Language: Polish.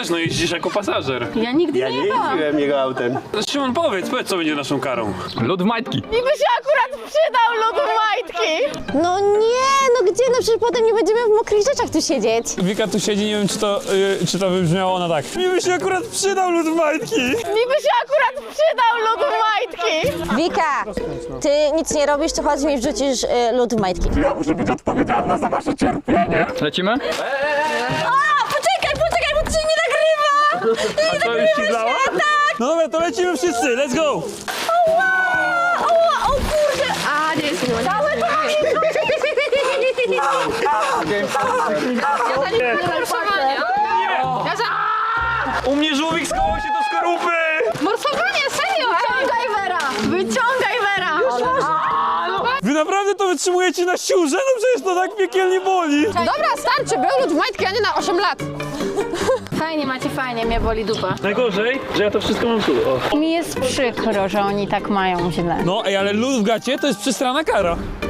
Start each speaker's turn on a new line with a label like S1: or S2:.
S1: też, no jeździsz jako pasażer.
S2: Ja nigdy
S3: Ja
S2: nie
S3: nie
S2: jechałam.
S3: jeździłem jego autem.
S1: Szymon, powiedz co będzie naszą karą.
S4: Lód w majtki.
S2: Mi by się akurat przydał lód w majtki.
S5: No nie, no gdzie? No przecież potem nie będziemy w mokrych rzeczach tu siedzieć.
S6: Wika tu siedzi, nie wiem czy to wybrzmiało ona tak. Mi by się akurat przydał lód w majtki.
S2: Mi by się akurat przydał lód w majtki.
S5: Wika, ty nic nie robisz, to chodź mi wrzucisz lód w majtki.
S4: Lecimy?
S5: Poczekaj, bo to się nie nagrywa!
S6: A co, już ci dała? No dobra, to lecimy wszyscy, let's go!
S5: O kurde!
S2: A, nie jest miło.
S5: Całe to
S1: U mnie żółwik skołał się do skorupy!
S2: Morsowanie, serio! Wyciągaj Wera! Wyciągaj Wera!
S6: Wy naprawdę to wytrzymujecie na siłze? No przecież to tak piekielnie boli.
S2: Dobra, starczy, był lód w majtki, a nie na 8 lat. Fajnie macie, fajnie, mnie boli dupa.
S1: Najgorzej, że ja to wszystko mam tu. O.
S2: Mi jest przykro, że oni tak mają źle.
S6: No ej, ale lód w gacie to jest przestrana kara.